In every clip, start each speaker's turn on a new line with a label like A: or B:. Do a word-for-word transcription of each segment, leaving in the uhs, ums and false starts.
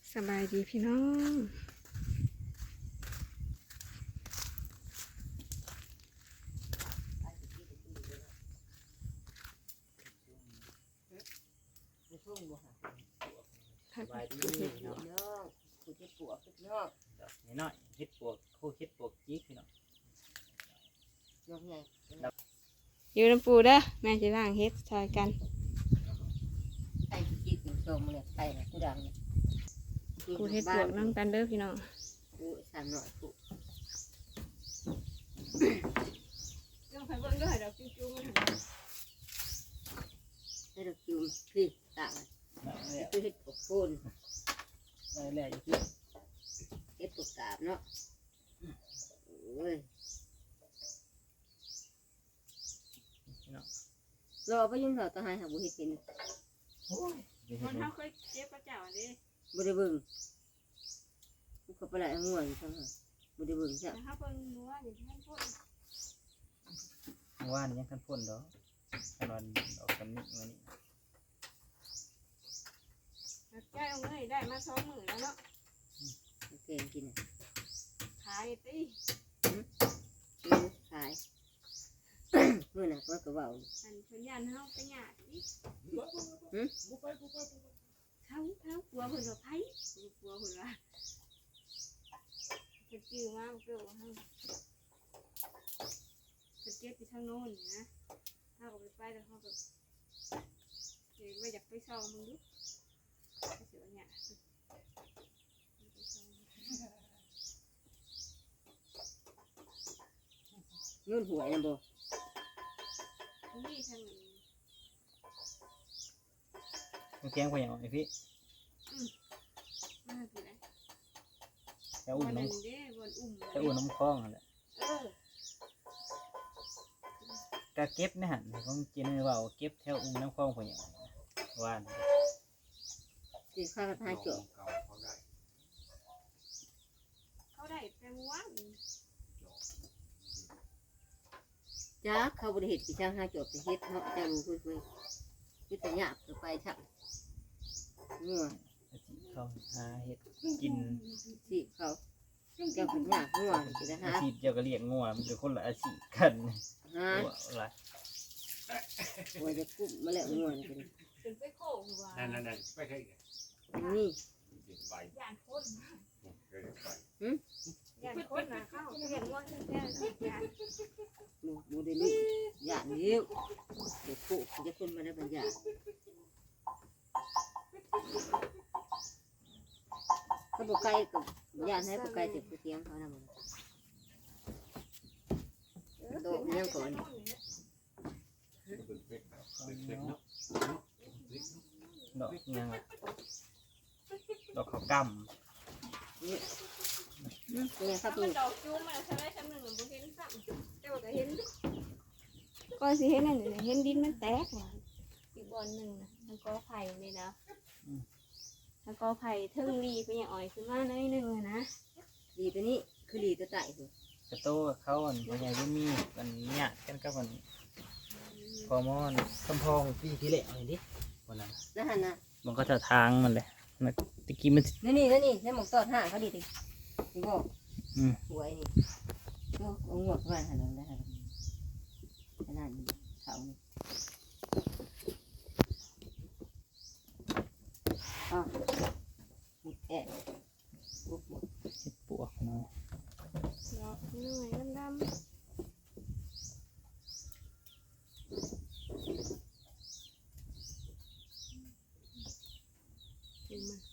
A: สบายดีพี่น้อง
B: สบายดีเนาะน้องผู้เฮ็ดปวกพี่น้องนี่น้อยเฮ็ดปวกคู่เฮ็ดปวกจีกพี่น้องน้องใหญ่
A: อยู่น้ำปูเด้อแม่จะล้างเฮ็ดซอยกัน
B: ไอ้จีกถึงโซมเลยไอ้กูดังเนี่ย
A: กูเฮ็ดปวกน้ำกันเด้อพี่น้อง
B: กูสามหน่อยกู
A: ต้องไปเบิ่งด้วยดอกจุ๊บๆมัน
B: ให้ดอกจุ่มพี่ต่างคือเฮ็ดปวกโคนอะไรแหละอยู่เฮ็ดปวกกาบเนาะโอ้ยรอไปยังเขาต้องให้หาบุเฮ็ดกิน
A: มันเขาเคยเจ็บประเจ้าดิ
B: บุได้เบิ่งกูก็ไปไหลง่วงจังฮะบุได้เบิ่งจ้ะ
A: เขาเบิ่งนัวอย่างที่ท่านพูด
B: ว่านี่ยังท่านพ่นดอกตอนออกกันนิดมื้อนี้
A: แก้เอาเงยได้มาสองมื้อแล้วเนาะ
B: เก่งกิน
A: ขายติ
B: กินขายเมื่อน่ะก็กระเป๋า
A: อันเพิ่นยันเฮาไปหยาดติ
B: หึ
A: เขาเขากลัวเพิ่นว่าไผกลัวเพิ่นว่าเพิ่นจื้อมาเพิ่นว่าเฮาเพิ่นเจ็บอยู่ทางโน้นนี่นะเฮาก็ไปไปแล้วเฮาก็เดี๋ยวว่าอยากไปส่องมึงดูไปเสือเนี่ย
B: เงินหวยนะบ่
A: นี่ทางนี้
B: มันแกงไปอย่างไรพี่
A: อืมมาคืออะไร
B: จะอุ่นน้ำจะอุ่นน้ำคล้องอะไร
A: เออ
B: ก็เก็บนะฮะของกินไม่ว่าเก็บแถวอุ่นน้ำคล้องไปอย่างว่านจีข้าวทายจุ
A: เขาได้แปลว่า
B: จ้าเขาบริเหตุปีช่างห้าจบไปเฮ็ดเนาะจะรู้คุยคุยคุยแต่หยาบจะไปชักเงื่อเขาหาเฮ็ดกินสิเขาเจ้าเป็นหยาบง่วงจะหาอาชีพเจ้าก็เลี้ยงง่วงมันเป็นคนละอาชีพกันฮะอะไรว่าจะกุ้มมาแล้วง่วงกัน
A: เป็นไปโค้งว่า
C: นั่นนั่นนั่นไปใช่
B: นี่
A: ย่านคนหืมย่านคนนะเข้าเลี้ยงง่วงแค่ย่าน
B: มูมูเดลี่ย่านนี้เด็กผู้จะคนมาได้บรรยายเขาบอกไก่กับย่านให้บอกไก่เจ็บเตียงเขานะมันโตยังก่อนดอกยังดอกเขากำนี่นี่ครับพี่
A: ดอกจูมาใช่ไหมชั้นหนึ่งบุเห็นซ้ำแต่ว่าก็เห็นก็สิเห็นนั่นเห็นดินมันแตกอีกบอลหนึ่งนะมันก็ไผ่เลยนะแล้วก็ไผ่เทิงรีไปอย่างอ่อยขึ้นมาหน่อยหนึ่งนะ
B: รีตัวนี้คือรีตัวใต้คือกระโตเขาอ่ะมันยังไม่มีมันเนี่ยกันกับมันพอมอนคำพองพี่พี่เละอะไรดิวันนั้นนั่นนะมันก็จะทางมันเลยมันตะกี้มันนี่นี่นี่นี่หมกตอดห่าเขาดีดินี่ก็สวยนี่ก็เอาหมดมาหันหลังได้ขนาดนี้เขาอ๋อหมดแก่ปุ๊บหมดเห็ดปวกเนาะ
A: ดอกหน่อยดำกินมัน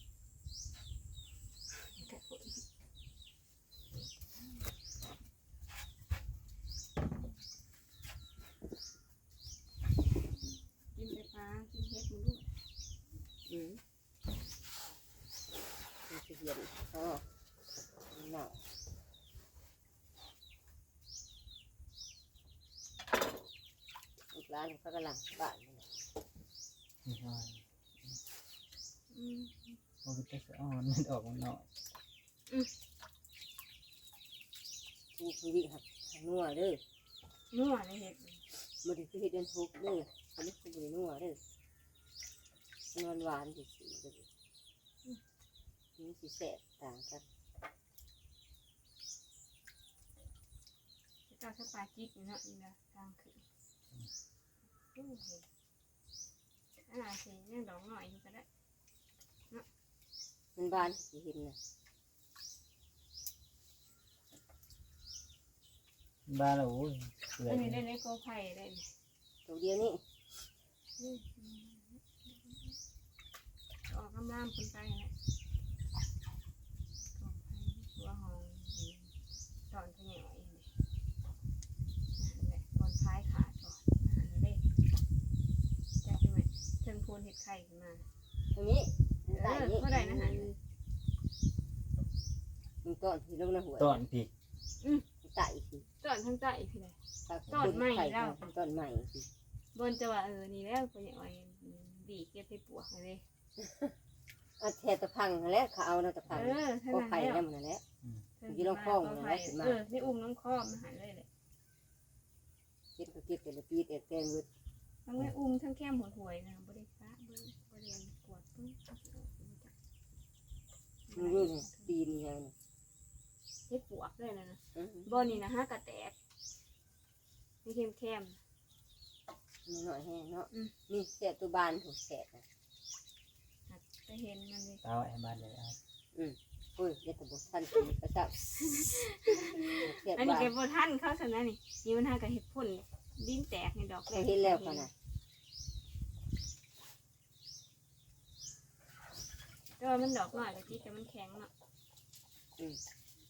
A: กินไปปลากินเห็ดมันด้วย
B: อืมมันจะเห็นอ๋อหนาวอีกร้านเขากำลังบ้านนี่ใช่อืมมันจะอ่อนมันออกมันหน่อยอืมนี่คือวิครับนัวเด้อ
A: นัวในเห็ด
B: มันคือเห็ดเดินทุกเด้ออันนี้คือนัวเด้อนวลหวานสิสิเด้อ
C: มีสีแสบต่างกัน
A: เจ้าสปาจิกเนาะนี่นะทางขึ้นอู้เห็นอ่าสิยังดอกหน่อยอยู่ก็ได้
C: มันบานสีเห็นนะ
B: บ้านเราโอ้ยเปื่อ
A: อั
B: ย
A: นนี้ได้ในกอไผ่ได้นี่
C: ตัวเดียวนี่
A: ออกกำลังคนไปแหละกอไผ่ตัวหองตอนขยอยนี่แหละบอลท้ายขาดก่อนอาหารเล็กจะเป็นไหมเชิงพูนเห็ดไข่ขึ้นมา
C: ตรงนี้
A: เอ
C: ใต้
A: อ
C: นี้
A: ก็ได้นะฮะ
C: มันต้นที่ลงในหัว
B: ต้นพี่
C: ใต้คือ
A: ตอนทั้งใจพี่เลย
C: ต้นใหม่แล้วต้นใหม่คือบ
A: นจะว่าเออนี่แล้วขยอยดีเก็บไปปวกเลย
C: เอาแทตะพังแล้วเขาเอาตะพัง
A: เออท่าน
C: ก็
A: นั้น
C: ไผ่
A: แล้ว
C: แล้วมันแล้ว อยู่ลงคลองนะนะขึ้นมา
A: เออนี่อุ้มน้องคอมมาหายเลยเลย
C: เก็บก็เก็บแต่ละปีแต่แตงวุ้
A: ทั้งไม่อุ้มทั้งแก้มหัวหวยนะบริฟ้าบริบริเวณกวดปึ้ง
C: มันรู้เนี่ยปีนี้ยัง
A: เฮ็ดปวกเลยนะนะ
C: อืม
A: บนนี่นะฮะกระแตกนี่เข้มเข้ม
C: มันหน่อยแห้งเนาะ
A: อืม
C: นี่แสบตัวบานถูกแสบนะ
A: จะเห็นมันเลย
B: เอาไอ้บ้านเลยเอา
C: โอ้ยเด็ดแต่บุทันทีกระชับแสบ
A: อันนี้
C: บาน
A: แกบท่านเขาสนะนี่นี่มันหากระเห็ดพ่นดินแตกในดอก
C: เราเห็นแล้วกันนะ
A: แต่ว่ามันดอกน้อยแต่ที่แต่มันแข็งเนาะ
C: อืม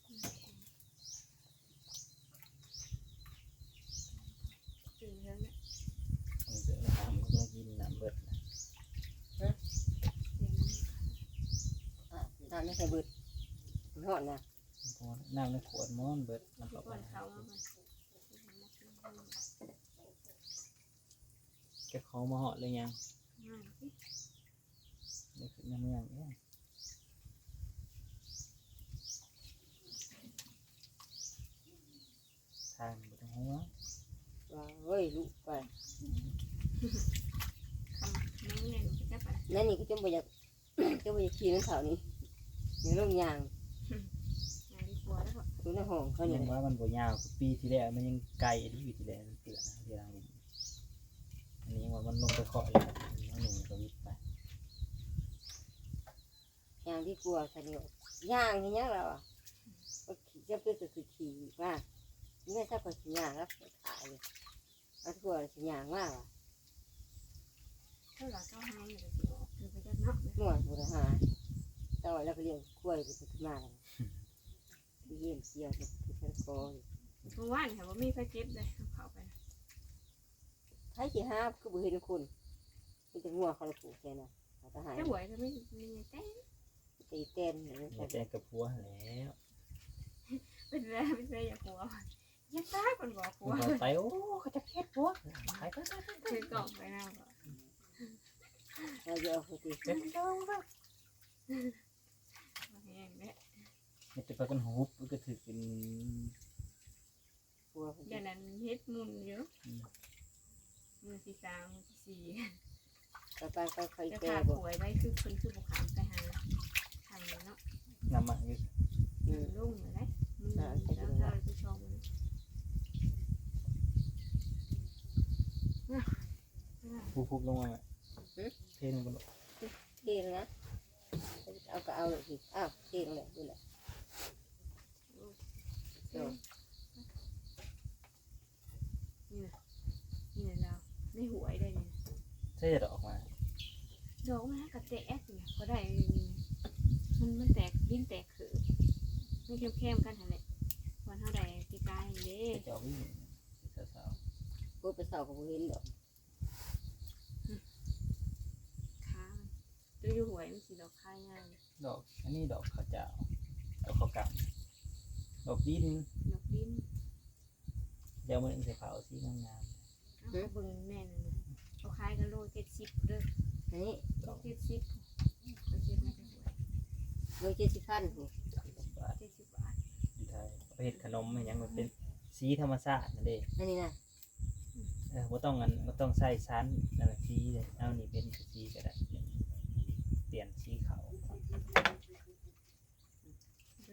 A: ตื่นแล้วเนี่ย
B: เอาเสือน้ำก็ต้องกินน้ำเบิดนะ
A: เดี๋ยวนั้น
C: อ่ะน้ำไม่ใช่เบิดมันหอดนะ
B: เพราะน้ำในขวดม้อนเบิดน้ำ
A: ที่
B: เข้าไป
A: ก่อนเขามาก่อน
B: แกเขามาเหาะเลยยัง
A: ง่ายสิ
B: นี่คือยังไม่ยังเนี่ยทางบ่ต้องหัว
C: ว่าเฮ้ยลูกไป
A: คำน้องเนี่ยหนูจะไป
C: นั่นนี่ก็จมไปอยาก จมไปอยากขี่นั่นเถานี้อย่างลงยาง
A: งานดีกว่าแล้วก็
C: ดูในห้องเขา
B: ยั
C: เนี่ย
B: งว่ามันบ่ยาวคือปีที่แล้วมันยังไกลที่ปีที่แล้วมันเตือนนะที่เราเห็นอันนี้ยังว่ามันลงไปเคาะเลยอันหนึ่งก็วิทย์ไป
C: ยางที่กลัวคันนี้ยางที่ยังเราอ่ะก็ขี่จะเป็นก็คือขี่ว่าไม่ทราบว่าขี่ยางแล้วขายเลยเอาทั่วขี่ยางมากอ่ะ
A: เท่าไหร่เจ้าให้เนี่ยจะออกคือไปจะเนาะ
C: นวดบุรหาต่อแล้วก็เลี้ยงกล้วยไปขึ้นมาเลยเยี่ยมเกี่ยวกับที่ฉันโกย
A: เมื่อวานค่ะว่ามีไฟเก็บเลยเอาเขาไป
C: ใช้ขี่ห้าคือบุเห็นคุณมันจะงัวเขาเลยปลูกแค่นั้นเขาจะหาย
A: ถ้าหวยจะไม่มีเต้น
C: ตีเต้นอย่างนี้
B: อย่าแจ้งกับผัวแล้ว
A: เป็นไรเป็นไรอย่าหัวอย่าตาคนบอกหัว
B: มันไปโอ้เขาจะแค่ผัวไปไปไปไป
A: คือกล่องไปแล้ว
C: เราจะเอาไปตี
B: เก็บเจ้าละ
A: แห้งเนี่ย
B: มันจะไปกันหุบมันก็ถือเป็น
C: ปัว
A: อย่างนั้นเฮ็ดมุนเยอะมือที่สามมือที่สี่
C: ไปไปไปไป
A: จะ
C: แก่
A: ขา
C: บ่
A: หวยไว้คือคนคือบุคคลไปหาทางเนาะ
B: น้ำมันอยู่
C: อืม
A: ลุ่งเลยนะมือแล้วเราไปชมเลย
B: ผู้พุบลงมาเทลงบน
C: เทนะเอาก็เอาเลยสิอ้าวเทลงเลยดูแหละ
A: นี่นะนี่นะเราไม่หวยได้เนี่ย
B: ใช่จะออกมา
A: ดอกมันกระแตกเนี่ยก็ได้มันมันแตกดิ้นแตกคือไม่เข้มเข้มกันหั่นแหละวันเท่าใดตีกายเด้
B: จะเอาวิ่งสาว
C: พูดไปเสากับบุเห็นดอก
A: ค้าตัวอยู่หวยมันสีดอกคายง่าย
B: ๆดอกอันนี้ดอกข้าวเจ้าดอกข้าวกำดอกดิน
A: ดอกดิ้น
B: เดี๋ยวมันใส่เผาสีงาม
A: เอาเขาเบิ่งแน่นเลยเขาขายกันโลเจ็ดสิบเด้อ
C: อันนี้
B: ๆดอก
A: เจ็ดสิบเขาเจ็ดไม่ได้หวย
C: โดยเจ็ดสิบพันถูก
B: สิบบาท
A: เจ็ดสิบบาท
B: อยู่ไทยเอาไปเห็ดขนมมันยังมันเป็นสีธรรมชาตินั่นเอง
C: อันนี้นะ
B: เออบ่ต้องอันบ่ต้องใส่ชั้นนั่นแหละสีเลยเอานี่เป็นสีก็ได้เปลี่ยนสีขาว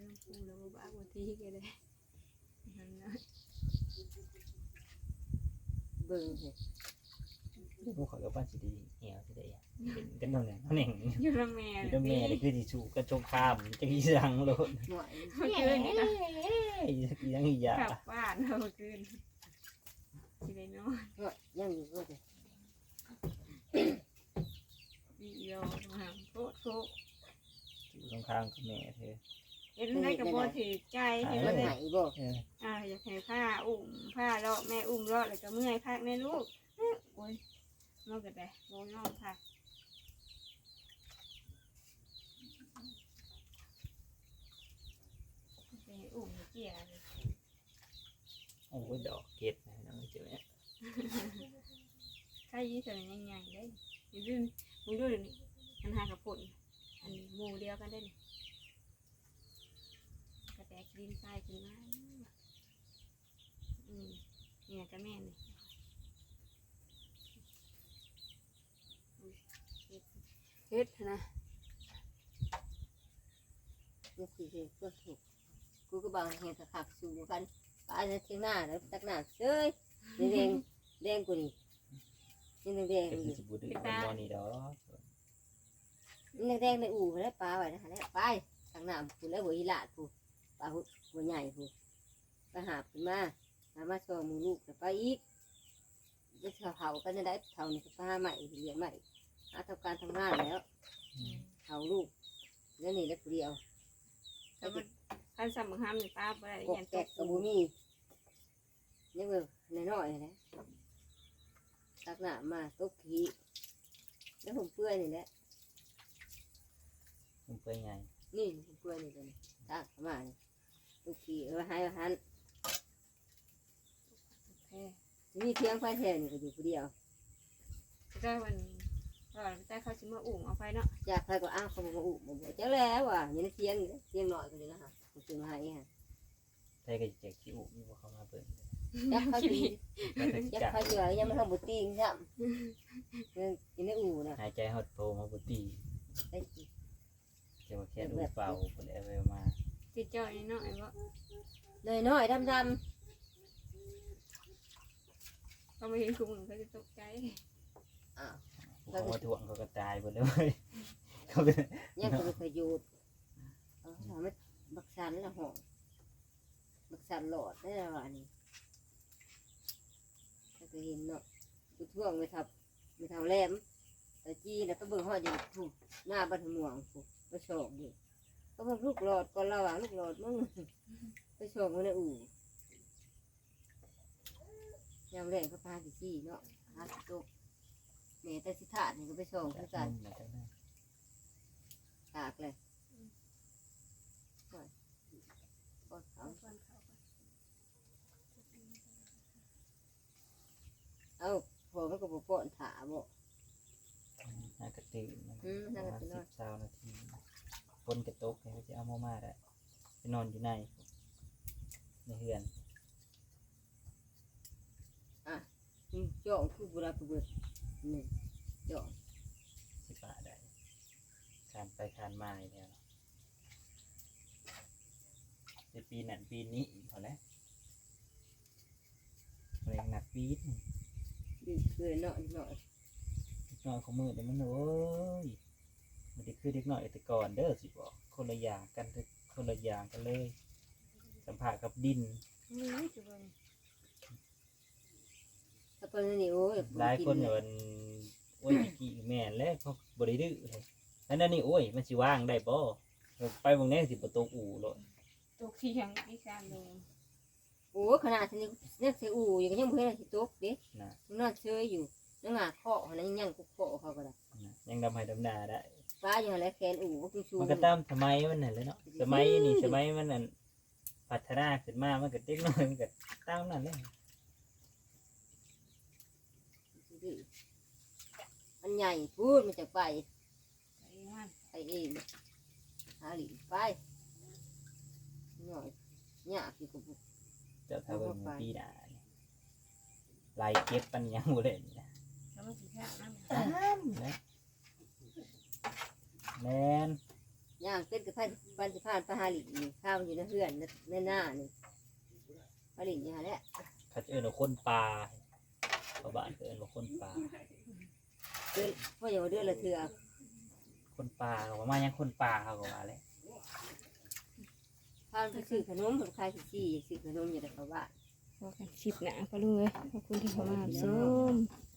A: น้ำปูแล้วบ่บ้าบ่ทีก็ได้นั่นนะ
C: เบิ่งเห็ด
B: เดี๋ยวพวกเขาก็บ้านสิดีเหี่ยวสิได้เป็นกันนั่นแหละนั่นเอง
A: อยู่ละแม่
B: เดี๋ยวแม่นี่คือสิสู้กันสงครามจะกี่สังโลด
C: หน่อย
A: เมื่อคืนนี่นะ
B: ยังอีหยาก
A: ลับบ้านเมื่อคืนสิได้นอน
C: หน่อยยังอยู่ก็จะ
A: อีโยมาโคตรโคตร
B: สู้สงครามกับแม่เธอ
A: เห็นได้กับบ่ถือใจเห็น
C: มัน
A: เลย
C: หายบ่
B: เออ
A: อ่าอยากให้ผ้าอุ้มผ้าเลาะแม่อุ้มเลาะแล้วก็เมื่อยพักในลูกโอ้ยนอนกันได้โง่นอนพักไปอุ้มเกี่ยเลย
B: โอ้ยดอกเกดนะน้องเจ้าเนี่ย
A: ใครยี่สิบยังใหญ่ได้อย่าลืมมึงดูเดี๋ยวนี้มันหากับปุ่นอันหมู่เดียวกันได้นี่กระแตกดินทรายขึ้นมาอืมนี่นะก็แม่นี่เฮ็ดนะ
C: นี่คือเห็ดก็ถูกกูก็บางเห็ดขับสู่กันปลาในเทียงหน้าแล้วตักหน้าเซ้ยแดงแดงกูนี่นี่แดง
B: เป็น
C: อยู่
B: สิบุตรเป็นบอนี่ดอก
C: นี่แดงในอู่แล้วปลาไว้นะฮะแล้วไปตักหน้ากูแล้วหัวอีหลาดกูปลาหัวใหญ่กูไปหาขึ้นมาหามาโชว์มูลูกแล้วไปอีกจะเผากันจะได้เผานี่ก็ปลาใหม่เหลือใหม่หาทำการทำงานแล้วเผาลูกแล้วนี่แล้วเดียว
A: แต่มันคันสำคัญหรือป้าบ่ได้
C: กบ
A: ยัน
C: แก
A: ต
C: ะ
A: ก
C: กับบุมีนี่เว้ยน้อยๆนะตักหน้ามาตกขี้แล้วผมเปื่อยนี่แหละ
B: มันเป็นไง
C: นี่ผมเปื่อยนี่เลยตักมานี่ตกขี้เออให้หัน
A: แพ้
C: มีเพียงไฟแทนนี่ก็อยู่คนเดียว
A: ก็วันก็แต่เขาสิมาอุ้มเอาไปเนาะ
C: อยากใครก็อ้าวเขาบอกว่าอุบบอกเจ้าแล้วว่ะอยังในเทียงนี่เทียงหน่อยก็เลยนะฮะผมซื้อมาให้ฮะ
B: ใช่ก็จะขี้อุมีพวกเขามาเปิด
C: ยักเขาดี
B: ก็จะ
C: ยัก
B: จัก
C: เขาเยอะยังไม่ทำบุตรีซ้ำยังกินในอู่นะ
B: หายใจหดโตมาบุตรี
C: ได้กิน
B: เจ้าแค่ดูเป่าไปแล้วไปมา
A: ติดเจ้าไอ้น้อยว่า
C: เลยน้อยดำด
A: เขาไม่เห็นคุณมึงเขาจะตกใจ
C: ำอ้าว
B: เขามาถ่วงเขาก็ตายหมดเลยเขาก็
C: ยังก็เป็นประโยชน์เออทำให้บักสันละห้องบักสันหลอดได้แล้วอันนี้ถ้าเคยเห็นเนาะกูท่วงไปทับไปทำแหลมแต่จีแล้วก็เบิ่งหอดอยู่ถูกหน้าบันหม่วงถูกไปโฉกดิก็เพิ่งลูกหลอดก่อนเราอ่ะลูกหลอดมึงไปโฉกมันในอู่ยามแรงก็พาสิจี้เนาะพาสิโตกแม่แต่สิถาดนี่ก็ไปโฉกคือกันตากเลยก็เขา เอ้าพอมันก็บ่ป้อนถาบ่
B: น่ากระตือมัน
C: อืม
B: ป
C: น่า
B: ระ
C: จะ
B: มาณ
C: ตื่นน
B: สิ
C: อน
B: บสามนาทีคนกระตกเขาจะเอามามาได้ไปนอนอยู่ในในเฮือน
C: อืมจ่องคือบุราคือเบิดนี่จ่อง
B: สิบาได้คานไปคานมาอีกแล้วในปีนั้นปีนี้อีกพอแล้วแรงหนักปีด
C: ดีเกินเนาะอีกหน่อย
B: เด็กน้อยของมือเดี๋ยวมันโอ้ยมันจะคือเด็กน้อยแต่ก่อนเด้อสิบอกคนละอย่างกันเด้อคนละอย่างกันเลย สัมผัสกับดิน
A: นี่คือว่า
C: ถ้าเพิ่นนี่โอ้ย
B: หลายคนเนี่ยมันโอ้ยกี่แม่นแล้วเขาบริดื้อเลยแล้วนั่นนี่โอ้ยมันสิว่างได้บ่ไปบางแน่สิประตูอู่เลย
A: ตกที่ยังอีสานลง
C: โอ้ขนาดนี้เนี่ยเสียอู่อยู่ก็ยังบ่เห็นสิตกเด้
B: นะ
C: นอนเฉยอยู่นั่งหาเคาะนั่นยังกุกเคาะเขาก็ได้
B: นะยังดำให้ดำนาได้
C: ฟ้าอยู่หั่นแหละแขนอู่ก็คือชู
B: มันก็ตามสมัยมันนั่นเลยเนาะสมัยนี่สมัยมันนั่นพัฒนาขึ้นมามันก็เด็กน้อยมันก็ตามนั่นเลย
C: มันใหญ่พูดมันจะไป
A: ไอ้มัน
C: ไปเองหาหลีไปหน่อยยากอยู่กับบุก
B: เจ้าทาวเวอร์ปีหน้าเนี่ยลายเก็บปัญญาหมดเลยนะ
A: แล้วมันสิแค่นั้น
B: ตามนะแมน
C: ยย่างเป็นกับพันพันสิพานปลาหาหลีนี่ข้าวอยู่ในเฮือนในหน้านี่ปลาหลีนี่ฮะแหละ
B: เขาจะเอิ้นว่าคนป่าชาวบ้านก็เอิ้นว่าคนป่า
C: เดือนพ่ออย่าว่าเดือนละเถื่อ
B: คนป่าเขาว่ามายังคนป่าเขาก็ว่าแหละ
C: พาไปซื้อขนมผมขายสี่ซื้อขนมอยู่ในเขาบ้าน
A: พอกันชิบหนาก็เลยขอบคุณที่เข้ามารับชม